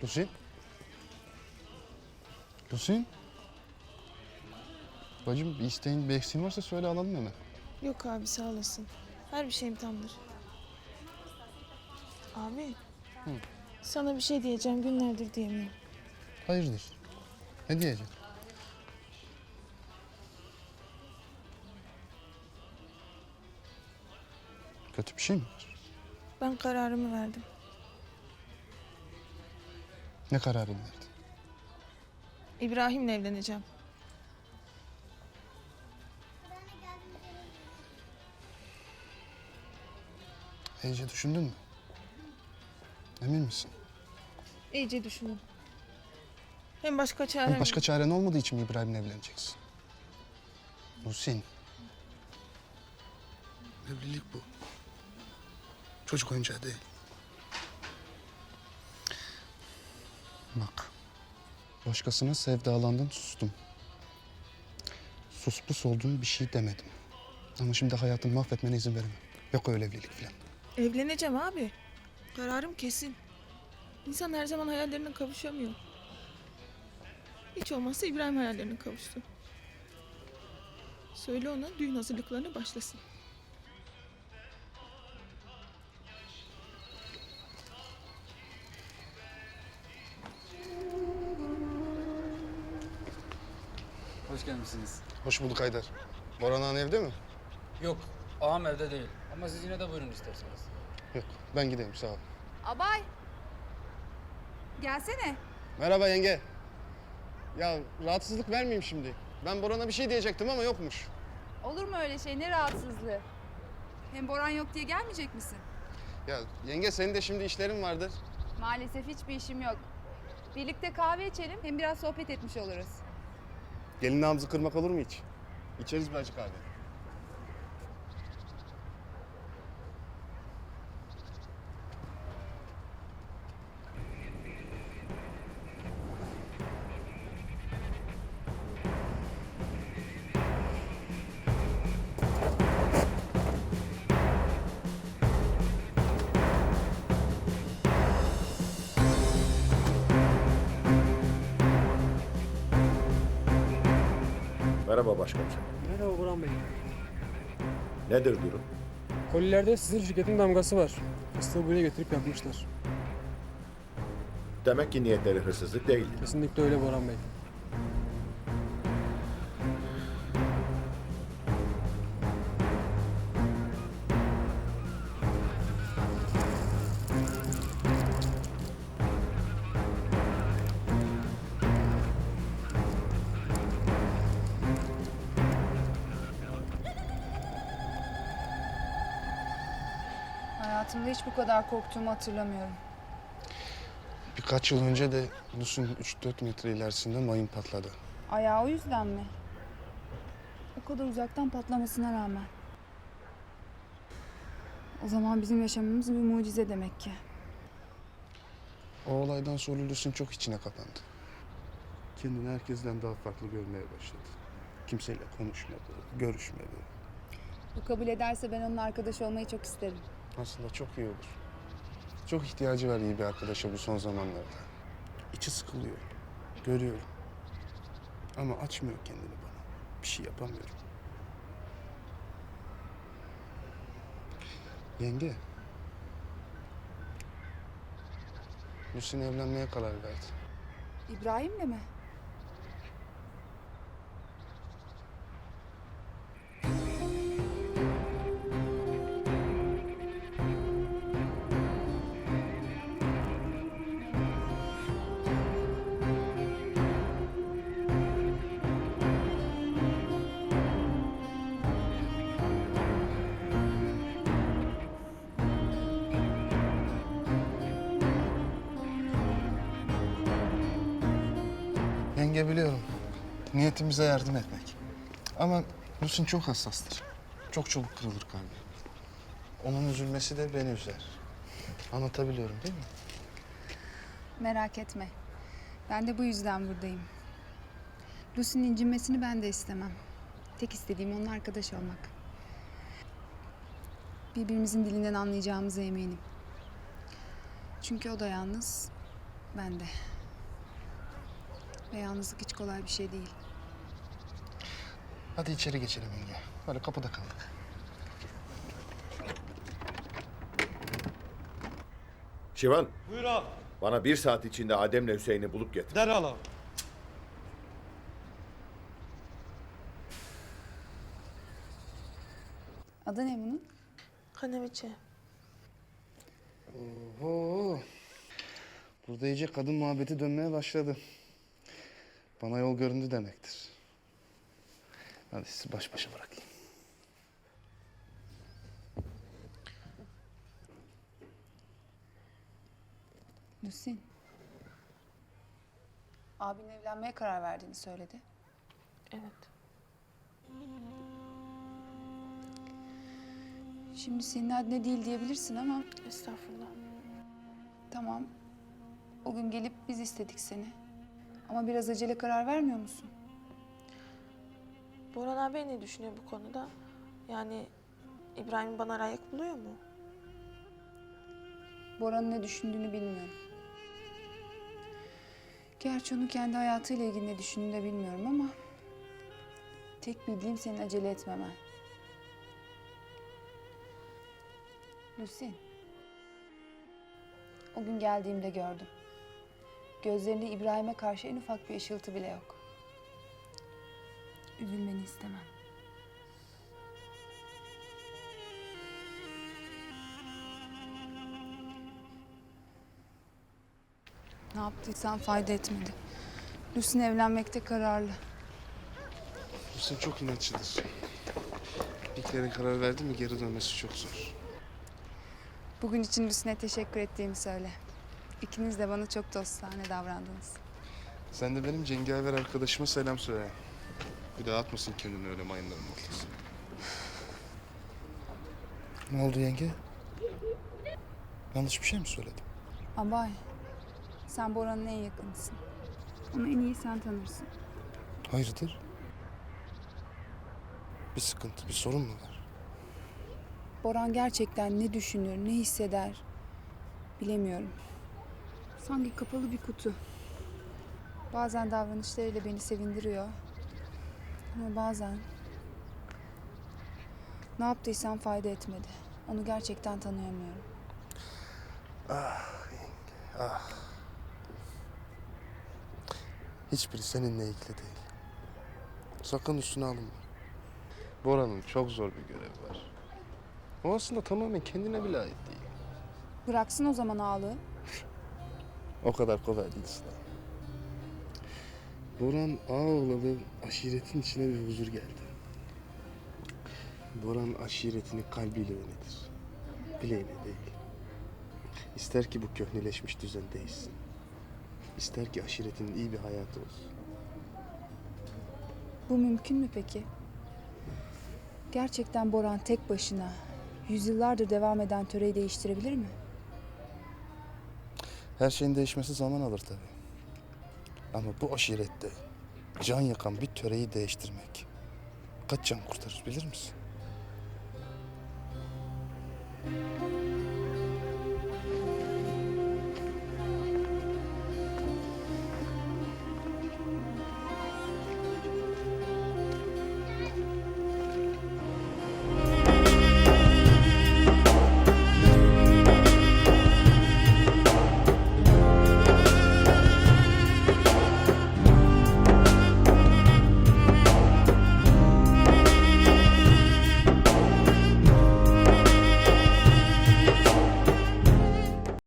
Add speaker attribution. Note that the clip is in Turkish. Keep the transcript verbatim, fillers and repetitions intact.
Speaker 1: Lucy? Lucy? Bacım bir isteğin, bir eksiğin varsa söyle alalım hemen.
Speaker 2: Yok abi sağ olasın. Her bir şeyim tamdır. Abi.
Speaker 1: Hı.
Speaker 2: Sana bir şey diyeceğim günlerdir diyemiyorum.
Speaker 1: Hayırdır? Ne diyeceksin? Kötü bir şey mi var?
Speaker 2: Ben kararımı verdim.
Speaker 1: Ne kararını verdin?
Speaker 2: İbrahim'le evleneceğim.
Speaker 1: İyice düşündün mü? Emin misin?
Speaker 2: İyice düşünün. Hem başka çarem
Speaker 1: Hem başka çaren olmadığı için mi İbrahim'le evleneceksin? Muhsin. Evlilik bu. Çocuk oyuncağı değil. Bak. Başkasına sevdalandın, sustum. Sus pus olduğun bir şey demedim. Ama şimdi hayatını mahvetmene izin veremem. Yok öyle evlilik falan.
Speaker 2: Evleneceğim abi. Kararım kesin. İnsan her zaman hayallerine kavuşamıyor. Hiç olmazsa İbrahim hayallerine kavuştu. Söyle ona düğün hazırlıklarına başlasın.
Speaker 3: Hoş gelmişsiniz.
Speaker 1: Hoş bulduk Haydar. Boran Han evde mi?
Speaker 3: Yok, ağam evde değil. Ama siz yine de buyurun isterseniz.
Speaker 1: Yok. Ben gideyim sağ ol.
Speaker 4: Abay. Gelsene.
Speaker 1: Merhaba yenge. Ya rahatsızlık vermeyeyim şimdi. Ben Boran'a bir şey diyecektim ama yokmuş.
Speaker 4: Olur mu öyle şey? Ne rahatsızlığı? Hem Boran yok diye gelmeyecek misin?
Speaker 1: Ya yenge senin de şimdi işlerin vardır.
Speaker 4: Maalesef hiçbir işim yok. Birlikte kahve içelim hem biraz sohbet etmiş oluruz.
Speaker 1: Gelin nabzı kırmak olur mu hiç? İçeriz bir acı kahve.
Speaker 5: Merhaba başkomiserim.
Speaker 6: Merhaba Burhan Bey.
Speaker 5: Nedir durum?
Speaker 6: Kolilerde sizin şirketin damgası var. Fıstığı buraya getirip yapmışlar.
Speaker 5: Demek ki niyetleri hırsızlık değil.
Speaker 6: Kesinlikle öyle Burhan Bey.
Speaker 4: Hayatımda hiç bu kadar korktuğumu hatırlamıyorum.
Speaker 1: Birkaç yıl önce de Lus'un üç dört metre ilerisinde mayın patladı.
Speaker 4: Ayağı o yüzden mi? O kadar uzaktan patlamasına rağmen. O zaman bizim yaşamımız bir mucize demek ki.
Speaker 1: O olaydan sonra Lus'un çok içine kapandı. Kendini herkesten daha farklı görmeye başladı. Kimseyle konuşmadı, görüşmedi.
Speaker 4: Bu kabul ederse ben onun arkadaşı olmayı çok isterim.
Speaker 1: Aslında çok iyi olur. Çok ihtiyacı var iyi bir arkadaşa bu son zamanlarda. İçi sıkılıyor, görüyorum. Ama açmıyor kendini bana. Bir şey yapamıyorum. Yenge. Lucy'nin evlenmeye karar verdi.
Speaker 4: İbrahim'le mi?
Speaker 1: Yenge biliyorum. Niyetimize yardım etmek. Ama Lucy çok hassastır. Çok çabuk kırılır kalbi. Onun üzülmesi de beni üzer. Anlatabiliyorum değil mi?
Speaker 4: Merak etme. Ben de bu yüzden buradayım. Lucy'nin incinmesini ben de istemem. Tek istediğim onun arkadaş olmak. Birbirimizin dilinden anlayacağımıza eminim. Çünkü o da yalnız, Ben de. Ve yalnızlık hiç kolay bir şey değil.
Speaker 1: Hadi içeri geçelim yenge. Böyle kapıda kaldık.
Speaker 5: Şivan,
Speaker 7: Buyur ağam.
Speaker 5: bana bir saat içinde Adem'le Hüseyin'i bulup getir.
Speaker 7: Derhal ağam.
Speaker 4: Adı ne bunun?
Speaker 2: Kaneviçe.
Speaker 1: Oho. Burada iyice kadın muhabbeti dönmeye başladı. Bana yol göründü demektir. Hadi sizi baş başa bırakayım.
Speaker 4: Lusin. Abin evlenmeye karar verdiğini söyledi.
Speaker 2: Evet.
Speaker 4: Şimdi senin adine değil diyebilirsin ama
Speaker 2: Estağfurullah.
Speaker 4: tamam. O gün gelip biz istedik seni. Ama biraz acele karar vermiyor musun?
Speaker 8: Boran abi ne düşünüyor bu konuda? Yani İbrahim bana layık buluyor mu?
Speaker 4: Bora'nın ne düşündüğünü bilmiyorum. Gerçi onun kendi hayatıyla ilgili ne düşündüğünü de bilmiyorum ama... tek bildiğim senin acele etmemen. Lucy. O gün geldiğimde gördüm. Gözlerinde İbrahim'e karşı en ufak bir ışıltı bile yok. Üzülmeni istemem. Ne yaptıysan fayda etmedi. Lucy'nin evlenmekte kararlı.
Speaker 1: Hüseyin çok inatçıdır. Bir kere karar verdi mi geri dönmesi çok zor.
Speaker 4: Bugün için Lucy'ne teşekkür ettiğimi söyle. İkiniz de bana çok dostane davrandınız.
Speaker 1: Sen de benim cengaver arkadaşıma selam söyle. Bir daha atmasın kendini öyle mayınların ortasına. Ne oldu yenge? Yanlış bir şey mi söyledim?
Speaker 4: Abay, sen Bora'nın en yakınısın. Onu en iyi sen tanırsın.
Speaker 1: Hayırdır? Bir sıkıntı, bir sorun mu var?
Speaker 4: Boran gerçekten ne düşünür, ne hisseder bilemiyorum. Sanki kapalı bir kutu. Bazen davranışlarıyla beni sevindiriyor. Ama bazen... ne yaptıysam fayda etmedi. Onu gerçekten tanıyamıyorum.
Speaker 1: Hiçbiri seninle ilgili değil. Sakın üstüne alınma. Bora'nın çok zor bir görevi var. O aslında tamamen kendine bile ait değil.
Speaker 4: Bıraksın o zaman ağlığı.
Speaker 1: O kadar kolay değil Sıla. Boran Ağoğlalı aşiretin içine bir huzur geldi. Boran aşiretini kalbiyle yönetir. Bileğiyle değil. İster ki bu köhneleşmiş düzen değişsin. İster ki aşiretinin iyi bir hayatı olsun.
Speaker 4: Bu mümkün mü peki? Gerçekten Boran tek başına yüzyıllardır devam eden töreyi değiştirebilir mi?
Speaker 1: Her şeyin değişmesi zaman alır tabii. Ama bu aşirette can yakan bir töreyi değiştirmek kaç can kurtarır bilir misin?